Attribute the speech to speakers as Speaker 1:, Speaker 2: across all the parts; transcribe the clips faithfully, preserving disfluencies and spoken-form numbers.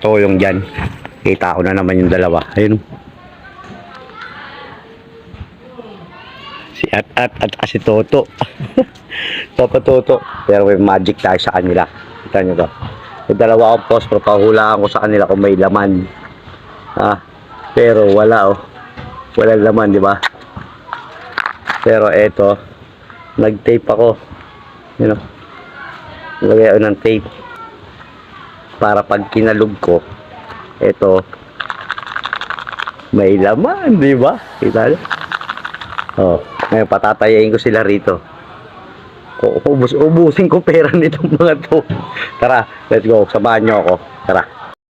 Speaker 1: nakatoyong dyan. Kita ko na naman yung dalawa. Ayun. Si At At at si Toto. Papa Toto. Pero may magic tayo sa kanila. Kita nyo to. Yung dalawa akong post, papahulaan ko sa kanila kung may laman. Ah, pero wala oh. Wala laman, di ba? Pero eto, nag-tape ako. You know, lagay ako ng tape. Para pag kinalog ko, eto, may laman, di ba? Kita nyo? Oh, ngayon patatayain ko sila rito. Ubus, ubusin ko pera nitong mga to. Tara, let's go. Samahan nyo ako. Tara.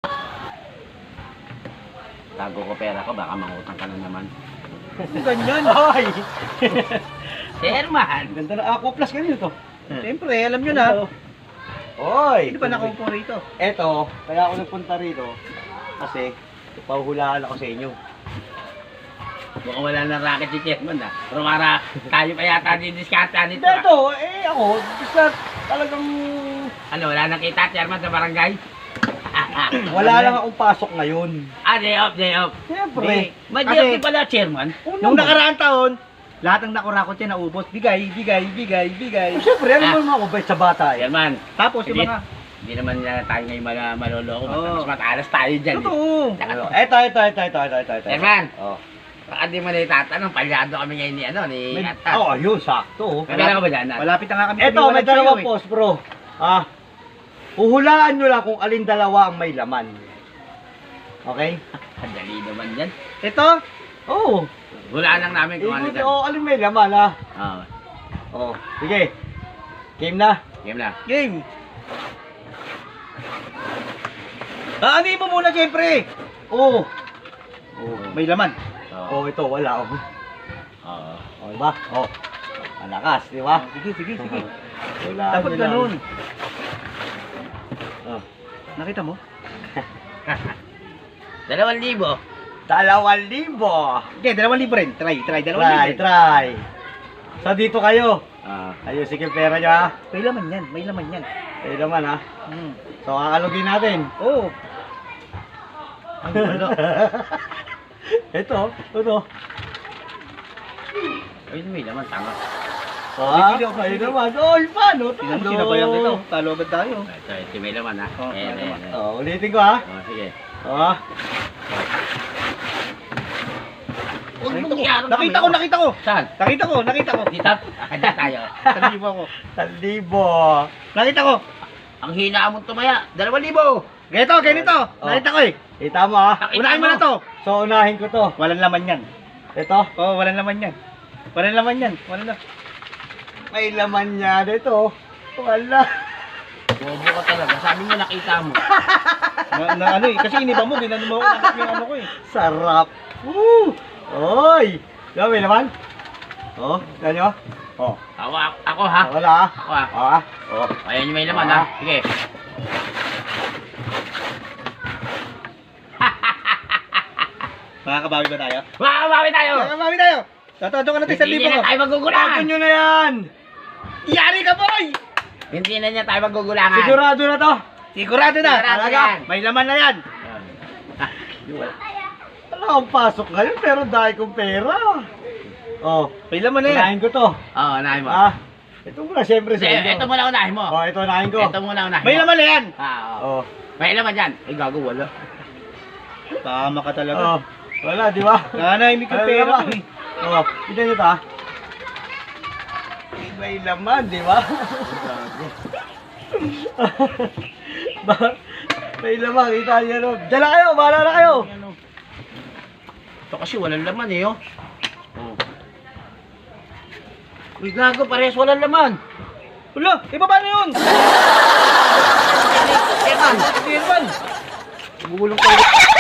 Speaker 1: Tago ko pera ko, baka mangutang ka na naman.
Speaker 2: Ganyan, ay!
Speaker 1: Sherman!
Speaker 2: Ganda na ako, plus ganyan to. Siyempre, alam nyo na.
Speaker 1: Oy!
Speaker 2: Hindi pa nakaupo rito.
Speaker 1: Eto, kaya ako nagpunta rito. Kasi, pahuhulaan ako sa inyo.
Speaker 3: Mukhang wala na racket si Chairman ah. Pero para tayo pa yata didiskata nito
Speaker 2: Ito,
Speaker 3: ah.
Speaker 2: eh ako, basta talagang
Speaker 3: Ano, wala nakita Chairman sa barangay?
Speaker 2: wala lang akong pasok ngayon.
Speaker 3: Ah, day off, day off.
Speaker 2: Siyempre.
Speaker 3: May
Speaker 2: Kasi-
Speaker 3: day off din pala Chairman.
Speaker 2: Nung nakaraang taon, lahat ng nakurakot yan naubos. Bigay, bigay, bigay, bigay. Siyempre, ano
Speaker 3: Ah.
Speaker 2: mo mga kubay sa bata eh.
Speaker 3: Chairman,
Speaker 2: Tapos yung
Speaker 3: Hindi.
Speaker 2: mga...
Speaker 3: hindi naman na tayo ngayon mal- maloloko.
Speaker 2: Oo.
Speaker 3: Mas matalas tayo dyan. eh.
Speaker 2: Totoo.
Speaker 3: Tsaka to.
Speaker 2: Ito, ito, ito, ito, ito, ito, ito.
Speaker 3: Chairman,
Speaker 2: Oh.
Speaker 3: baka di mo na itatanong, palyado kami ngayon ni ano, ni
Speaker 2: May-
Speaker 3: Atta.
Speaker 2: Oo, yun, sakto.
Speaker 3: May pera ka ba dyan? Nat?
Speaker 2: Malapit na nga kami. Ito, may dalawang post, bro. Ah, uhulaan nyo lang kung alin dalawa ang may laman. Okay?
Speaker 3: Ang dali naman dyan.
Speaker 2: Ito? Oo.
Speaker 3: Wala lang namin kung ano
Speaker 2: Ikuti,
Speaker 3: dyan.
Speaker 2: oh, alin may laman, ha?
Speaker 3: Oo.
Speaker 2: Oh, sige. Game na.
Speaker 3: Game na.
Speaker 2: Game. Ah, ano mo muna, siyempre? Oo. Oh, may laman.
Speaker 3: Oo.
Speaker 2: Oh, ito, wala. Oh,
Speaker 3: Oo.
Speaker 2: oh diba? Oh, malakas, di ba? Sige, sige, sige. Wala. Dapat ganun. Oh, nakita mo?
Speaker 3: Dalawang libo.
Speaker 2: Dalawang libo. Okay, dalawang libo rin. Try, try, dalawang
Speaker 3: Try,
Speaker 2: libo. Try, So, dito kayo.
Speaker 3: Ah.
Speaker 2: Ayusin yung pera nyo, ha? May laman yan, may laman yan. May laman, ha? Mm. So, kakalugin natin. Oo. Ano, ano? Ito, ito.
Speaker 3: Ay, may naman, tama.
Speaker 2: Ah, ayun naman. Oy, paano?
Speaker 4: Tingnan mo, sinabayan kita. Talo agad tayo.
Speaker 3: Ito, ito may laman ha.
Speaker 4: Oh,
Speaker 3: Ayan,
Speaker 4: may
Speaker 3: ayan,
Speaker 4: laman.
Speaker 3: ayan.
Speaker 2: Oh, ulitin ko, ha?
Speaker 3: Oh, sige.
Speaker 2: Oh.
Speaker 4: Nakita ko, nakita ko.
Speaker 3: Saan?
Speaker 4: Nakita ko, nakita ko.
Speaker 3: Dito? Kanya tayo.
Speaker 4: Talibo ako.
Speaker 2: Talibo.
Speaker 4: Nakita ko.
Speaker 3: Ang hina mong tumaya. Dalawang libo.
Speaker 4: Ganito, ganito.
Speaker 2: Oh.
Speaker 4: Nakita ko eh.
Speaker 2: Kita mo, ha?
Speaker 3: Nakita
Speaker 4: Unahin mo na to.
Speaker 2: So, unahin ko to.
Speaker 4: Walang laman yan.
Speaker 2: Ito.
Speaker 4: Oo, oh, walang laman yan. Walang laman yan. Walang laman.
Speaker 2: May laman niya dito. Wala.
Speaker 3: Bobo ka talaga. Sabi mo nakita mo.
Speaker 4: Na, na ano eh. Kasi iniba mo, ginano mo nakap yung ano ko eh.
Speaker 2: Sarap. Woo! Oy! Diba, may laman? Oh, yan nyo? Oh.
Speaker 3: Ako, ako, ako ha.
Speaker 2: Wala, ha?
Speaker 3: Ako ha.
Speaker 2: Oh, ha? Oh.
Speaker 3: Ayan yung may laman
Speaker 2: Ah.
Speaker 3: ha. Sige.
Speaker 4: Makakabawi ba tayo?
Speaker 3: Makabawi tayo.
Speaker 4: Makakabawi tayo. Tatado ka natin sa
Speaker 3: Hindi
Speaker 4: libo
Speaker 3: na
Speaker 4: ko.
Speaker 3: tayo magugulangan.
Speaker 2: Tapon nyo na yan!
Speaker 4: Yari ka, boy!
Speaker 3: Hindi na niya tayo magugulangan.
Speaker 2: Sigurado na to.
Speaker 4: Sigurado na.
Speaker 3: Sigurado
Speaker 4: Talaga.
Speaker 3: yan.
Speaker 4: May laman na yan.
Speaker 2: Wala akong pasok ngayon, pero dahil kong pera. Oh,
Speaker 4: May laman na yan.
Speaker 2: unahin ko to.
Speaker 3: Oo, unahin mo.
Speaker 2: Ah, ito muna, siyempre sa
Speaker 3: Sige,
Speaker 2: inyo.
Speaker 3: ito muna unahin mo.
Speaker 2: Oh, ito unahin ko.
Speaker 3: Ito muna unahin
Speaker 4: May
Speaker 3: mo.
Speaker 4: laman na yan.
Speaker 3: Ah, oo.
Speaker 2: Oh,
Speaker 3: May laman dyan. Eh, gago, wala.
Speaker 4: Tama ka talaga.
Speaker 2: oh. Wala, di ba?
Speaker 4: Nanahimik yung pera ko eh.
Speaker 2: Oh, ito nyo ta. May laman, di ba? Ba- May laman, kita nyo ron. Diyan na kayo, bahala na kayo.
Speaker 3: Ano? Ito kasi walang laman eh, oh. Oh. Uy, gago, parehas walang laman.
Speaker 4: Wala, ibaba na yun.
Speaker 3: Eman,
Speaker 4: Hindi yun.
Speaker 3: bubulong tayo.